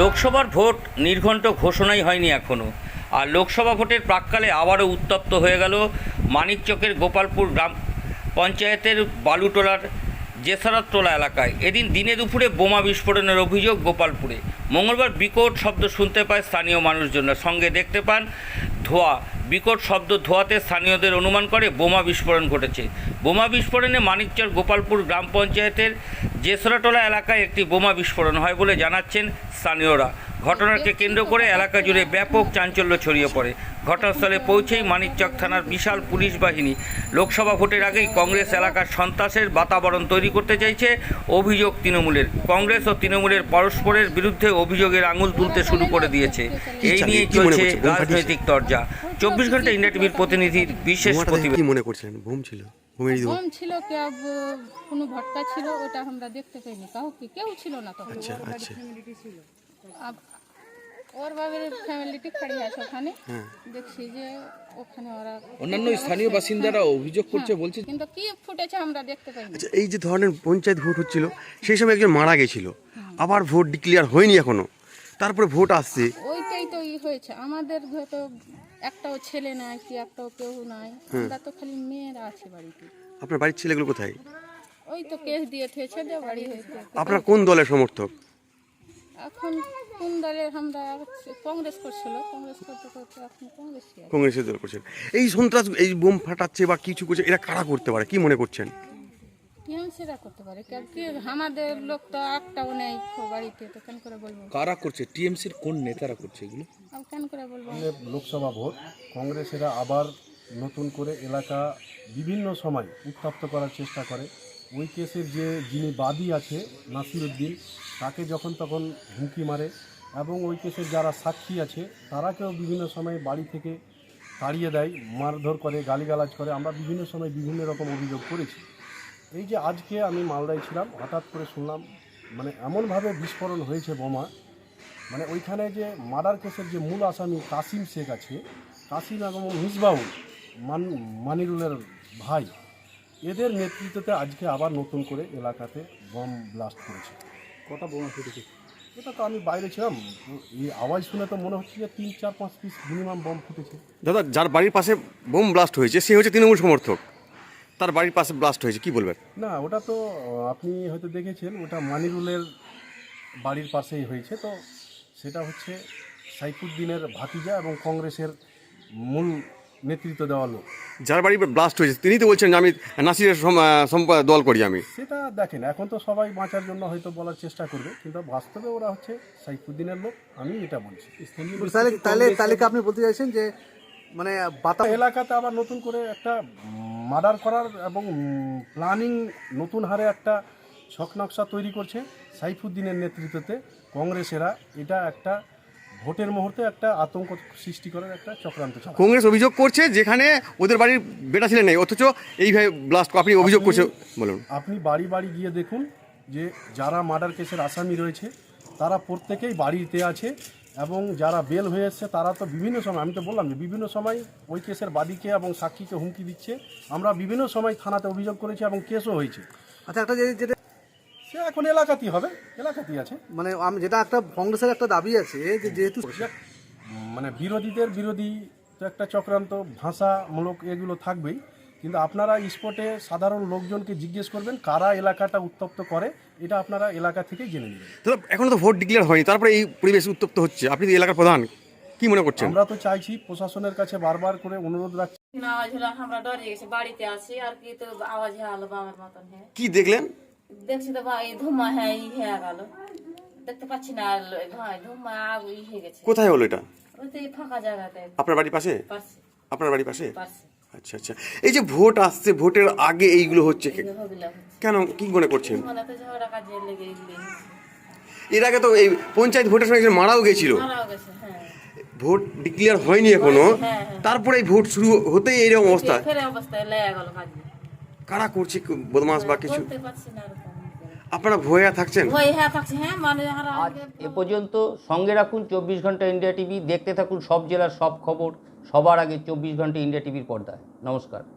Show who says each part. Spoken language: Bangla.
Speaker 1: লোকসভার ভোট নির্ঘণ্ট ঘোষণাই হয়নি এখনও, আর লোকসভা ভোটের প্রাক্কালে আবারও উত্তপ্ত হয়ে গেল মানিকচকের গোপালপুর গ্রাম পঞ্চায়েতের বালুটোলার জেসারতটোলা এলাকায়। এদিন দিনে দুপুরে বোমা বিস্ফোরণের অভিযোগ গোপালপুরে। মঙ্গলবার বিকট শব্দ শুনতে পায় স্থানীয় মানুষজনরা, সঙ্গে দেখতে পান ধোঁয়া। বিকট শব্দ ধোঁয়াতে স্থানীয়দের অনুমান করে বোমা বিস্ফোরণ ঘটেছে। বোমা বিস্ফোরণে মানিকচক গোপালপুর গ্রাম পঞ্চায়েতের জেসরাটোলা এলাকায় একটি বোমা বিস্ফোরণ হয় বলে জানাচ্ছেন স্থানীয়রা। ঘটনাকে কেন্দ্র করে এলাকা জুড়ে ব্যাপক চাঞ্চল্য ছড়িয়ে পড়ে। ঘটনাস্থলে পৌঁছেই মানিকচক থানার বিশাল পুলিশ বাহিনী। লোকসভা ভোটের আগেই কংগ্রেস এলাকার সন্ত্রাসের বাতাবরণ তৈরি করতে চাইছে অভিযোগ তৃণমূলের। কংগ্রেস ও তৃণমূলের পরস্পরের বিরুদ্ধে অভিযোগের আঙুল তুলতে শুরু করে দিয়েছে। এই নিয়ে চলছে রাজনৈতিক তরজা। 24 ঘন্টা ইন্ডিয়া টিভির প্রতিনিধির বিশেষ প্রতিবেদন।
Speaker 2: কি মনে করছিলেন? বোম ছিল?
Speaker 3: বোম ছিল, কোনো ভটকা ছিল, ওটা আমরা দেখতে পাইনি। কেউ ছিল না তখন।
Speaker 2: আচ্ছা আচ্ছা।
Speaker 3: ওর বাবার ফ্যামিলিটি খাড়ি আছে ওখানে। দেখছি যে ওখানে ওরা
Speaker 4: অন্যান্য স্থানীয় বাসিন্দারা অভিযোগ করছে, বলছে
Speaker 3: কিন্তু কি ফুটেছে আমরা দেখতে পাইনি।
Speaker 2: আচ্ছা, এই যে ধরনের পঞ্চায়েত ভোট হচ্ছিল সেই সময় একজন মারা গেছিল, আবার ভোট ডিক্লেয়ার হয়নি এখনো, তারপরে ভোট আসছে।
Speaker 3: ওইটাই তো হয়েছে। আমাদের তো একটাও ছেলে নাই, কি একটাও কেউ নাই, আমরা তো খালি মেয়েরা আছে বাড়িতে।
Speaker 2: আপনার বাড়ির ছেলেগুলো কোথায়?
Speaker 3: ওই তো কেস দিয়ে থেছে যে বাড়ি হয়েছে।
Speaker 2: আপনার কোন দলের সমর্থক?
Speaker 3: এখন কোন দলের? আমরা কংগ্রেস করছিল, কংগ্রেস করতে করতে এখন
Speaker 2: কংগ্রেসের দল করছেন। এই সন্ত্রাস, এই বোম ফাটাচ্ছে বা কিছু করছে, এরা কারা করতে পারে কি মনে করছেন?
Speaker 3: টিএমসিরা করতে পারে, কি আমাদের লোক তো একটাও নেই বাড়িতে, তো কেন করে বলবো
Speaker 4: কারা করছে? টিএমসির কোন নেতারা করছে এগুলো?
Speaker 3: আর কেন করে বলবো?
Speaker 5: লোকসভা ভোট কংগ্রেসেরা আবার নতুন করে এলাকা বিভিন্ন সময় উত্তপ্ত করার চেষ্টা করে। ওই কেসের যিনি বাদী আছে নাসিরউদ্দিন, তাকে যখন তখন হুমকি মারে, এবং ওই কেসের যারা সাক্ষী আছে তারাকেও বিভিন্ন সময় বাড়ি থেকে তাড়িয়ে দেয়, মারধর করে, গালিগালাজ করে। আমরা বিভিন্ন সময় বিভিন্ন রকম অভিযোগ করেছি। এই যে আজকে আমি মালদায় ছিলাম, হঠাৎ করে শুনলাম মানে এমনভাবে বিস্ফোরণ হয়েছে বোমা, মানে ওইখানে যে মার্ডার কেসের যে মূল আসামি কাসিম শেখ আছে, কাসিম এবং মিসবাউল মানিরুলের ভাই, এদের নেতৃত্বে আজকে আবার নতুন করে এলাকাতে বম ব্লাস্ট করেছে।
Speaker 4: কটা বোমা ফুটেছে?
Speaker 5: এটা তো আমি বাইরে ছিলাম, এই আওয়াজ শুনে তো মনে হচ্ছে যে 3, 4, 5 পিস মিনিমাম বম ফুটেছে।
Speaker 2: দাদা, যার বাড়ির পাশে বোম ব্লাস্ট হয়েছে সে হচ্ছে তৃণমূল সমর্থক, তার বাড়ির পাশে ব্লাস্ট হয়েছে, কি বলবেন?
Speaker 5: না, ওটা তো আপনি হয়তো দেখেছেন, ওটা মানিরুলের বাড়ির পাশেই হয়েছে। তো সেটা হচ্ছে সাইফুদ্দিনের ভাতিজা এবং কংগ্রেসের মূল নেতৃত্ব দেওয়া লোক।
Speaker 2: যার বাড়ি ব্লাস্ট হয়েছে তিনি তো বলছেন যে আমি নাসিরের দল করি আমি।
Speaker 5: সেটা দেখেন, এখন তো সবাই বাঁচার জন্য হয়তো বলার চেষ্টা করবে, কিন্তু বাস্তবে ওরা হচ্ছে সাইফুদ্দিনের লোক, আমি এটা বলছি।
Speaker 6: তাহলে আপনি বলতে চাইছেন যে মানে
Speaker 5: এলাকাতে আবার নতুন করে একটা মার্ডার করার এবং প্ল্যানিং নতুন হারে একটা ছকনকশা তৈরি করছে সাইফুদ্দিনের নেতৃত্বে কংগ্রেসেরা। এটা একটা ভোটের মুহূর্তে একটা আতঙ্ক সৃষ্টি করার একটা চক্রান্ত চালাচ্ছে।
Speaker 2: কংগ্রেস অভিযোগ করছে যেখানে ওদের বাড়ির বেটা ছিলেন নাই, অথচ এইভাবে ব্লাস্ট আপনি অভিযোগ করছে, বলুন।
Speaker 5: আপনি বাড়ি বাড়ি গিয়ে দেখুন যে যারা মার্ডার কেসের আসামি রয়েছে তারা প্রত্যেকেই বাড়িতে আছে, এবং যারা বেল হয়ে এসছে তারা তো বিভিন্ন সময়, আমি তো বললাম যে বিভিন্ন সময় ওই কেসের বাদীকে এবং সাক্ষীকে হুমকি দিচ্ছে। আমরা বিভিন্ন সময় থানাতে অভিযোগ করেছি এবং কেসও হয়েছে।
Speaker 6: আচ্ছা, একটা যেটা
Speaker 5: সে এখন এলাকাতেই হবে, এলাকাতেই আছে।
Speaker 6: মানে আমি যেটা একটা কংগ্রেসের একটা দাবি আছে যে যেহেতু
Speaker 5: মানে বিরোধীদের বিরোধী তো একটা চক্রান্ত ভাষামূলক এগুলো থাকবেই, কিন্তু আপনারা স্পটে সাধারণ লোকজনকে জিজ্ঞেস করবেন কারা এলাকাটা উত্তপ্ত করে, এটা আপনারা এলাকা থেকেই জেনে নেবেন।
Speaker 2: দাদা, এখনো তো ভোট ডিক্লেয়ার হয়নি, তারপরে এই পরিবেশ উত্তপ্ত হচ্ছে, আপনি তো এলাকার প্রধান, কি মনে করছেন?
Speaker 5: আমরা তো চাইছি, প্রশাসনের কাছে বারবার করে অনুরোধ রাখছি।
Speaker 7: আওয়াজ হলো, আমরা ডরে গেছি, বাড়িতে আছি আর কি, তো আওয়াজ হলো বাবার মতন। হ্যাঁ,
Speaker 2: কি দেখলেন?
Speaker 7: দেখছি তো ভাই ধুমা, হ্যাঁ ই হয়ে গেল, দেখতে পাচ্ছি না ভাই, ধুমা ই হয়ে গেছে।
Speaker 2: কোথায় হলো এটা?
Speaker 7: ওই তো ফাঁকা জায়গাতে।
Speaker 2: আপনার বাড়ির পাশে?
Speaker 7: পারছি
Speaker 2: আপনার বাড়ির পাশে?
Speaker 7: পারছি।
Speaker 2: আচ্ছা আচ্ছা। এই যে ভোট আসছে, ভোটের আগে এইগুলো হচ্ছে কেন, কি মনে করছেন?
Speaker 7: মানে তো ঝগড়া কাজে লেগে গেলে
Speaker 2: এর আগে তো এই পঞ্চায়েত ভোটের সময় একজন মারাও গেছিল।
Speaker 7: মারাও গেছে। হ্যাঁ,
Speaker 2: ভোট ডিক্লেয়ার হয়নি এখনো, তারপরে এই ভোট শুরু হতেই এইরকম অবস্থা।
Speaker 7: ফেরে অবস্থায় লেগে গেল কাজে।
Speaker 2: কারা করছে বদমাস বা কিছু?
Speaker 7: বলতে পারছি না এরকম।
Speaker 2: আপনারা ভয়ে থাকছেন?
Speaker 7: ভয় হ্যাঁ থাকছি। হ্যাঁ, মানে
Speaker 1: এ পর্যন্ত সঙ্গে রাখুন 24 ঘন্টা ইন্ডিয়া টিভি, দেখতে থাকুন সব জেলার সব খবর সবার আগে 24 ঘন্টা ইন্ডিয়া টিভির পর্দায়। নমস্কার।